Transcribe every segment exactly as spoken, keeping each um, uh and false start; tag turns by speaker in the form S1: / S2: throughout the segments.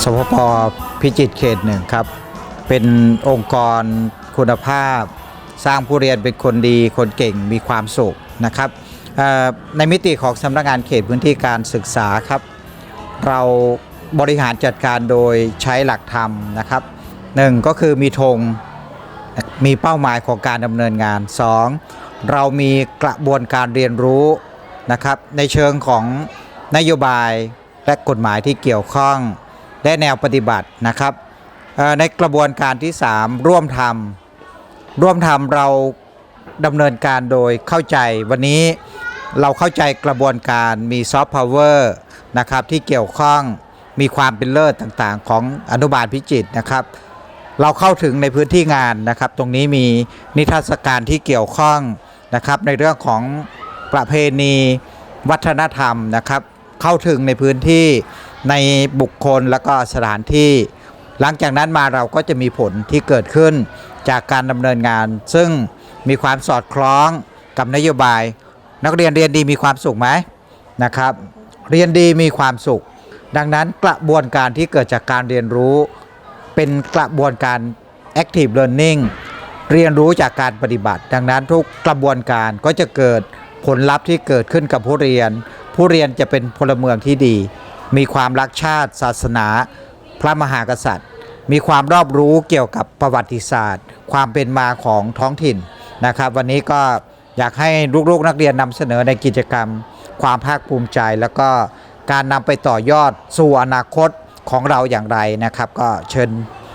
S1: สพป.พิจิตรเขตหนึ่งครับเป็นองค์กรคุณภาพสร้างผู้เรียนเป็นคนดีคนเก่งมีความสุขนะครับในมิติของสำนักงานเขตพื้นที่การศึกษาครับเราบริหารจัดการโดยใช้หลักธรรมนะครับหนึ่งก็คือมีธงมีเป้าหมายของการดำเนินงานสองเรามีกระบวนการเรียนรู้นะครับในเชิงของนโยบายและกฎหมายที่เกี่ยวข้องและแนวปฏิบัตินะครับในกระบวนการที่สามร่วมทำร่วมทำเราดำเนินการโดยเข้าใจวันนี้เราเข้าใจกระบวนการมีซอฟต์พาวเวอร์นะครับที่เกี่ยวข้องมีความเป็นเลิศต่างๆของอนุบาลพิจิตรนะครับเราเข้าถึงในพื้นที่งานนะครับตรงนี้มีนิทรรศการที่เกี่ยวข้องนะครับในเรื่องของประเพณีวัฒนธรรมนะครับเข้าถึงในพื้นที่ในบุคคลและก็สถานที่หลังจากนั้นมาเราก็จะมีผลที่เกิดขึ้นจากการดำเนินงานซึ่งมีความสอดคล้องกับนโยบายนักเรียนเรียนดีมีความสุขไหมนะครับเรียนดีมีความสุขดังนั้นกระบวนการที่เกิดจากการเรียนรู้เป็นกระบวนการ active learning เรียนรู้จากการปฏิบัติดังนั้นทุกกระบวนการก็จะเกิดผลลัพธ์ที่เกิดขึ้นกับผู้เรียนผู้เรียนจะเป็นพลเมืองที่ดีมีความรักชาติศาสนาพระมหากษัตริย์มีความรอบรู้เกี่ยวกับประวัติศาสตร์ความเป็นมาของท้องถิ่นนะครับวันนี้ก็อยากให้ลูกๆนักเรียนนำเสนอในกิจกรรมความภาคภูมิใจแล้วก็การนำไปต่อยอดสู่อนาคตของเราอย่างไรนะครับก็เชิญ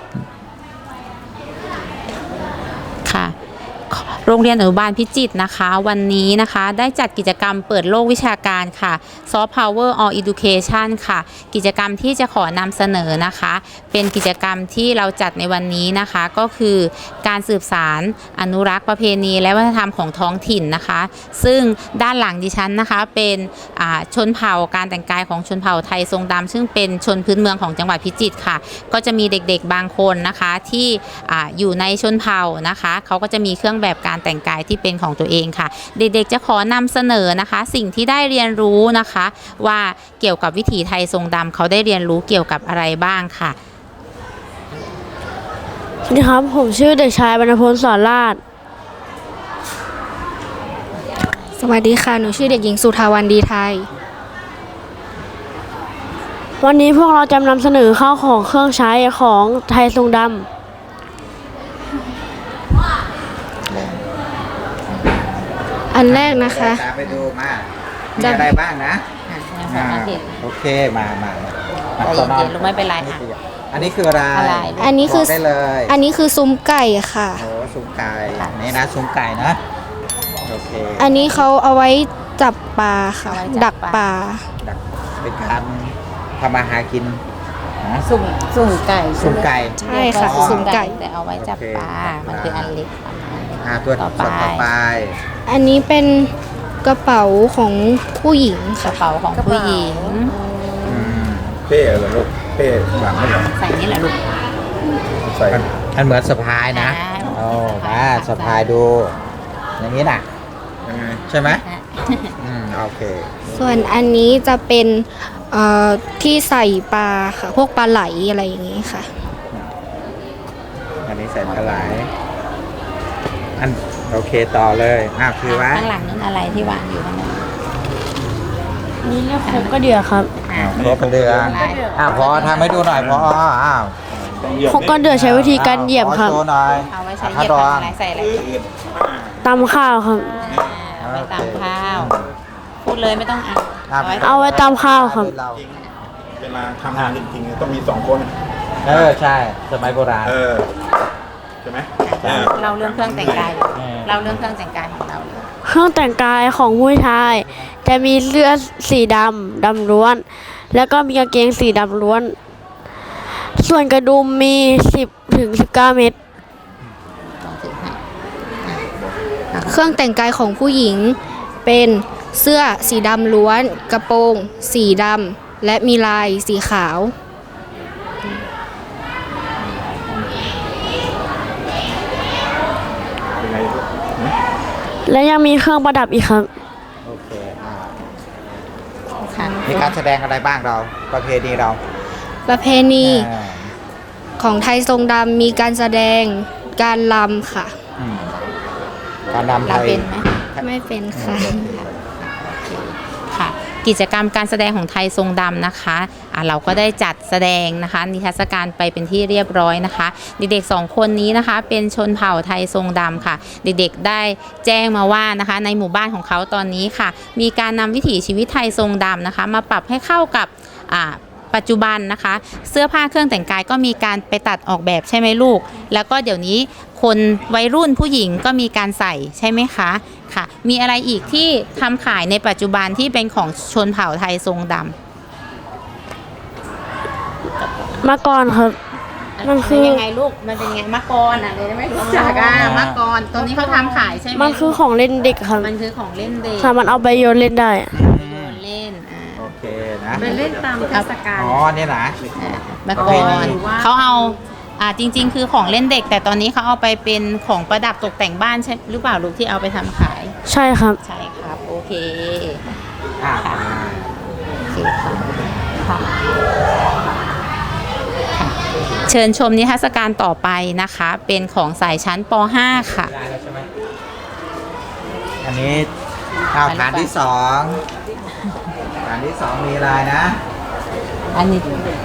S2: ค่ะโรงเรียนอนุบาลพิจิตรนะคะวันนี้นะคะได้จัดกิจกรรมเปิดโลกวิชาการค่ะ Soft Power All Education ค่ะกิจกรรมที่จะขอนำเสนอนะคะเป็นกิจกรรมที่เราจัดในวันนี้นะคะก็คือการสืบสารอนุรักษ์ประเพณีและวัฒนธรรมของท้องถิ่นนะคะซึ่งด้านหลังดิฉันนะคะเป็นชนเผ่าการแต่งกายของชนเผ่าไทยทรงดำซึ่งเป็นชนพื้นเมืองของจังหวัดพิจิตรค่ะก็จะมีเด็กๆบางคนนะคะที่ อ, อยู่ในชนเผ่านะคะเขาก็จะมีเครื่องแบบการแต่งกายที่เป็นของตัวเองค่ะเด็กๆจะขอนำเสนอนะคะสิ่งที่ได้เรียนรู้นะคะว่าเกี่ยวกับวิถีไทยทรงดำเขาได้เรียนรู้เกี่ยวกับอะไรบ้างค่ะ
S3: สวัสดีครับผมชื่อเด็กชายบรรพลสอนราช
S4: สวัสดีค่ะหนูชื่อเด็กหญิงสุธาวันดีไทย
S3: วันนี้พวกเราจะนำเสนอข้าวของเครื่องใช้ของไทยทรงดำ
S4: อันแรกนะคะ
S1: ตามไปดูมามีอะไรบ้างนะโอเคมามา
S2: ใจเย็นๆลูกไม่เป็นไรค่ะ
S1: อันนี้คืออะไร
S4: อันนี้คือ
S1: ได้เลย
S4: อันนี้คือซุ้มไก่ค่ะ
S1: โอ้ซุ้มไก่นี่นะซุ้มไก่นะโอเค
S4: อันนี้เขาเอาไว้จับปลาค่ะดักปลา
S1: ดักเป็นการทำอาหารกิน
S2: สุ่มสุ่มไก่
S1: สุ่มไก่
S4: ใช่ค่ะสุ่มไก่
S2: แต่เอาไว้จับปลามันคืออันเล็ก
S1: อ่าตัวต่อไป
S4: อันนี้เป็นกระเป๋าของผู้หญิง
S2: กระเป๋าของผู้หญิง
S5: เป้เหรอลูกเป้หลังไม่เหรอ
S2: ใส่นี่แหละลูก
S5: ใส่
S1: มันเหมือนสะพายนะโอ้มาสะพายดูอย่างนี้นะใช่ไหมอืมโอเค
S4: ส่วนอันนี้จะเป็นเอ่อที่ใส่ปลาค่ะพวกปลาไหลอะไรอย่างนี้ค่ะ
S1: อันนี้ใส่ปลาไหลอันโอเคต่อเลยอ้าวคือว่า
S2: ข้างหลังนั้นอะไรที่วางอยู่ข้างหลัง
S3: นี่เรียกครบก็เดือครับ
S1: ครบเดืออ้าวพอทำให้ดูหน่อยพออ้าว
S3: ครบก็เดือใช้วิธีการเหยียบครับ
S2: เอาไว้ใช้เหยียบอะไรใส่อะไร
S3: ตำข้าวครับ
S2: เอาไว้ตำข้าวพูดเลยไม่ต้องอ่าน
S3: เอาไว้ตำข้าวครับ
S5: เวลาทำงานจริงๆต้องมีสองคน
S1: เออใช่สมัยโบราณ
S5: เออใช่ไหม
S2: เราเรื่องเครื่องแต่งกายเราเรื่องเครื่องแต่งกายของเรา
S3: เครื่องแต่งกายของผู้ชายจะมีเสื้อสีดำดำล้วนแล้วก็มีกางเกงสีดำล้วนส่วนกระดุมมีสิบถึงสิบเก้าเม็ด
S4: เครื่องแต่งกายของผู้หญิงเป็นเสื้อสีดำล้วนกระโปรงสีดำและมีลายสีขาว
S3: และยังมีเครื่องประดับอีกครับ
S1: โอเคมีการแสดงอะไรบ้างเราประเพณีเรา
S4: ประเพณี
S1: อ่า
S4: ของไทยทรงดำมีการแสดงการลำค่ะ
S1: อืมการนำไท
S2: เรา
S1: ย
S2: เป็นไหม
S4: ไม่เป็นค่ะ
S2: ค่ะกิจกรรมการแสดงของไทยทรงดำนะคะอ่ะเราก็ได้จัดแสดงนะคะนิทรรศการไปเป็นที่เรียบร้อยนะคะเด็กๆสองคนนี้นะคะเป็นชนเผ่าไทยทรงดำค่ะเด็กๆได้แจ้งมาว่านะคะในหมู่บ้านของเขาตอนนี้ค่ะมีการนำวิถีชีวิตไทยทรงดำนะคะมาปรับให้เข้ากับอ่าปัจจุบันนะคะเสื้อผ้าเครื่องแต่งกายก็มีการไปตัดออกแบบใช่ไหมลูกแล้วก็เดี๋ยวนี้คนวัยรุ่นผู้หญิงก็มีการใส่ใช่ไหมคะค่ะมีอะไรอีกที่ทำขายในปัจจุบันที่เป็นของชนเผ่าไทยทรงดำ
S3: มาก่อนครับ มันคือ
S2: ยังไงลูกมันเป็นไงมะกรอ่ะเลยไม่รู้จักอ่ะมะกรตัวนี้เขาทำขายใช่ไหม
S3: มันคือของเล่นเด็กครับ
S2: มันคือของเล่นเด็ก
S3: ค่ะ มันเอาไปโยนเล่นได้
S2: โยนเล่นอ่า
S1: โอเคนะ
S2: เป็นเล่นตามเทศกาล
S1: อ๋อเนี่ยนะ
S2: มะ
S1: ประ
S2: ก
S1: เพณี
S2: รเขาเอาอ่าจริง ๆ คือของเล่นเด็ก แต่ตอนนี้เขาเอาไปเป็นของประดับตกแต่งบ้านใช่หรือเปล่าลูกที่เอาไปทำขาย
S3: ใช่ครับ
S2: ใช่ครับโอเค
S1: อ่า
S2: โอเคค่ะค่ะค่ะเชิญชมนิทรรศการต่อไปนะคะ เป็นของสายชั้นป .ห้า ค่ะ
S1: ได้แล้วใช่ไหมอันนี้อ้าวฐานที่สองฐานที่สองมีอะไรนะ
S2: อันนี้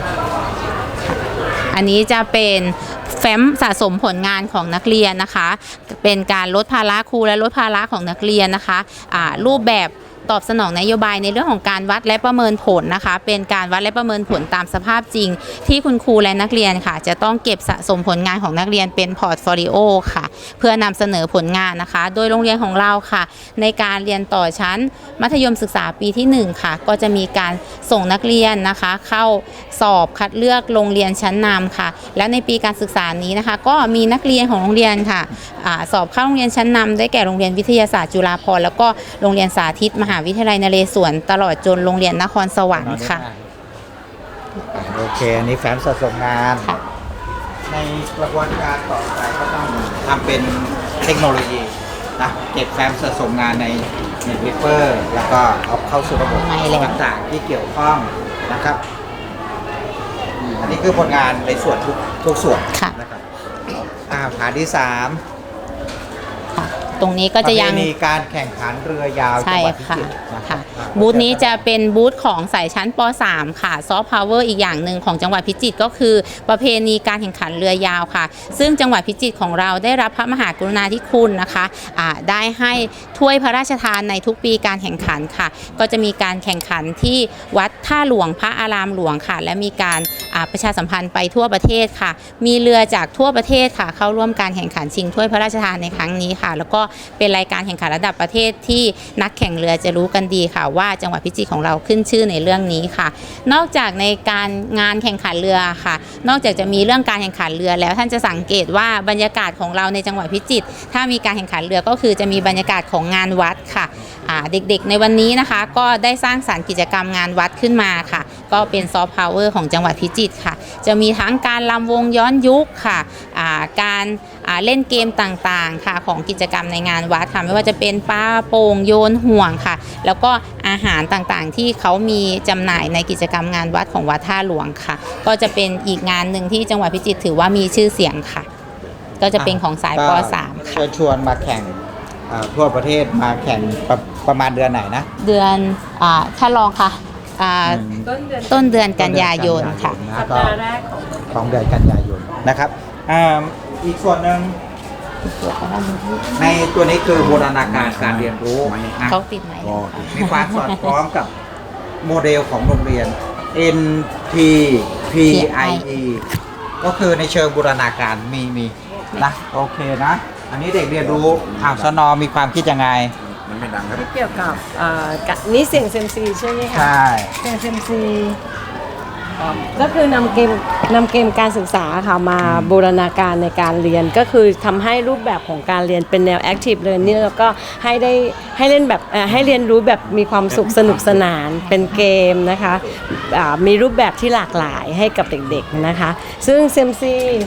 S2: อันนี้จะเป็นแฟ้มสะสมผลงานของนักเรียนนะคะ เป็นการลดภาระครูและลดภาระของนักเรียนนะคะอ่ารูปแบบตอบสนองนโยบายในเรื่องของการวัดและประเมินผลนะคะ เป็นการวัดและประเมินผลตามสภาพจริง ที่คุณครูและนักเรียนค่ะ จะต้องเก็บสะสมผลงานของนักเรียนเป็นพอร์ตโฟลิโอค่ะ เพื่อนำเสนอผลงานนะคะ โดยโรงเรียนของเราค่ะ ในการเรียนต่อชั้นมัธยมศึกษาปีที่หนึ่งค่ะ ก็จะมีการส่งนักเรียนนะคะ เข้าสอบคัดเลือกโรงเรียนชั้นนำค่ะ แล้วในปีการศึกษานี้นะคะ ก็มีนักเรียนของโรงเรียนค่ะอาสอบเข้าโรงเรียนชั้นนำได้แก่โรงเรียนวิทยาศาสตร์จุฬาภรณ์แล้วก็โรงเรียนสาธิตมหาวิทยาลัยนเรศวรตลอดจนโรงเรียนนครสวรรค์ค่ะ
S1: โอเค อันนี้แฟ้มสะสมงาน
S2: ค่ะ
S1: ในกระบวนการต่อไปก็ต้องทำเป็นเทคโนโลยีนะเก็บแฟ้มสะสมงานในเน็ตวิเปอร์แล้วก็เอาเข้าสู่ระบบ
S2: ไม่เลย
S1: ต่างๆที่เกี่ยวข้องนะครับอืมอันนี้คือผลงานในส่วนทุกทุกส่วน
S2: ค่ะ
S1: นะครับอ่าฐานที่สาม
S2: ค่ะตรงนี้ก็จะยัง
S1: ประเพณีการแข่งขันเรือยาว
S2: ใช่
S1: จังหวัดพิ
S2: ค่ะ
S1: จิตรนะครั
S2: ค่ะ
S1: บ
S2: บูธนี้จะเป็นบูธของสายชั้นป .สาม ค่ะซอฟต์พาวเวอร์อีกอย่างหนึ่งของจังหวัดพิจิตรก็คือประเพณีการแข่งขันเรือยาวค่ะ ซึ่งจังหวัดพิจิตรของเราได้รับพระมหากรุณาธิคุณนะคะอ่าได้ให้ถ้วยพระราชทานในทุกปีการแข่งขันค่ะ ก็จะมีการแข่งขันที่วัดท่าหลวงพระอารามหลวงค่ะ และมีการอ่าประชาสัมพันธ์ไปทั่วประเทศค่ะ มีเรือจากทั่วประเทศค่ะ เข้าร่วมการแข่งขันชิงถ้วยพระราชทานในครั้งนี้ค่ะ แล้วก็เป็นรายการแข่งขันระดับประเทศที่นักแข่งเรือจะรู้กันดีค่ะ ว่าจังหวัดพิจิตรของเราขึ้นชื่อในเรื่องนี้ค่ะ นอกจากในการงานแข่งขันเรือค่ะ นอกจากจะมีเรื่องการแข่งขันเรือแล้วท่านจะสังเกตว่าบรรยากาศของเราในจังหวัดพิจิตรถ้ามีการแข่งขันเรือก็คือจะมีบรรยากาศของงานวัดค่ะอ่าเด็กๆในวันนี้นะคะ ก็ได้สร้างสรรค์กิจกรรมงานวัดขึ้นมาค่ะ ก็เป็นซอฟต์พาวเวอร์ของจังหวัดพิจิตรค่ะ จะมีทั้งการรำวงย้อนยุคค่ะอ่าการอ่าเล่นเกมต่างๆค่ะของกิจกรรมในงานวัดค่ะไม่ว่าจะเป็นปลาโป่งโยนห่วงค่ะ แล้วก็อาหารต่างๆที่เขามีจำหน่ายในกิจกรรมงานวัดของวัดท่าหลวงค่ะ ก็จะเป็นอีกงานหนึ่งที่จังหวัดพิจิตรถือว่ามีชื่อเสียงค่ะ ก็จะเป็นของสายป
S1: ก็
S2: สามค่ะ
S1: เชิญชวนมาแข่งอ่าทั่วประเทศมาแข่งประประมาณเดือนไหนนะ
S2: เดือนอ่าถ้าลองค่ะอ่าต้นเดือนกันยายนค่ะ
S1: สัปดาห์แรกของเดือนกันยายนนะครับอ่าอีกส่วนหนึ่งในตัวนี้คือบูรณาการการเรียนรู้นะ
S2: เขาติดไหม
S1: มีความสอดคล้องกับโมเดลของโรงเรียน เอ็น พี พี ไอ อี ก็คือในเชิงบูรณาการมีมีนะโอเคนะ อันนี้เด็กเรียนรู้อ้าวสนอมีความคิดยังไง
S5: มันไม่ดังครับ
S6: เกี่ยวกับเอ่อกับนี่เสียงเซยมซีใช่ไหมคะ
S1: ใช่
S6: เสียงเซยมซีก็คือนำเกมนำเกมการศึกษาค่ะมาบูรณาการในการเรียนก็คือทำให้รูปแบบของการเรียนเป็นแนว active learning แล้วก็ให้ได้ให้เล่นแบบเอ่อให้เรียนรู้แบบมีความสุขสนุกสนานเป็นเกมนะคะอ่ามีรูปแบบที่หลากหลายให้กับเด็กๆนะคะซึ่งเซยมซี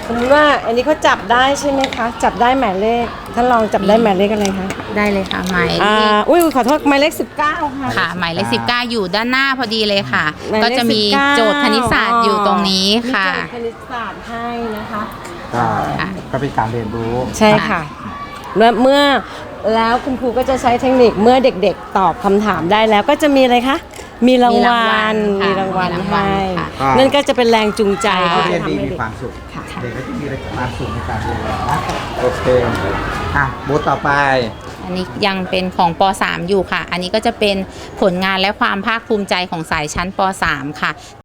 S6: สมมติว่าอันนี้เขาจับได้ใช่ไหมคะ จับได้หมายเลขท่านลองจับได้หมายเลขอะไรคะ
S2: ได้เลยค่ะหมายเล
S6: อ่า
S2: ข
S6: อุ้ยขอโทษหมายเลขสิบเก้าค่ะ
S2: ค่ะหมายเลขสิบเก้าอยู่ด้านหน้าพอดีเลยค่ะ
S6: หมายเลข
S2: ก็จะมี
S6: สิบเก้า
S2: โจทย์คณิตศาสตร์อยู่ตรงนี้ค่ะ
S6: มีโจทย์คณิตศาสตร์ให้นะคะ
S1: ก็ก็เป็นการเรียนรู้
S6: ใช่ค่ะแล้วเมื่อแล้วคุณครูก็จะใช้เทคนิคเมื่อเด็กๆ ตอบคำถามได้แล้วก็จะมีอะไรคะ มีรางวัล
S2: มี
S6: มี
S2: ราร
S6: าง ง
S2: วั
S6: วั
S2: ล
S6: ล
S2: ค่ะ
S6: ให้
S1: ค่ะ
S6: นั่นก็จะเป็นแรงจูงใจ
S1: ผู้
S6: ที่
S1: เรียน
S6: จะ
S1: ดี
S6: ทำให้
S1: มี
S6: เด็ก
S1: ความสุข
S6: ค่ะ
S1: เด็กก็จะมีความสุขในการเรียนนะโอเคอ่ะบูธต่อไป
S2: อันนี้ยังเป็นของป .สาม อยู่ค่ะ อันนี้ก็จะเป็นผลงานและความภาคภูมิใจของสายชั้นป .สาม ค่ะ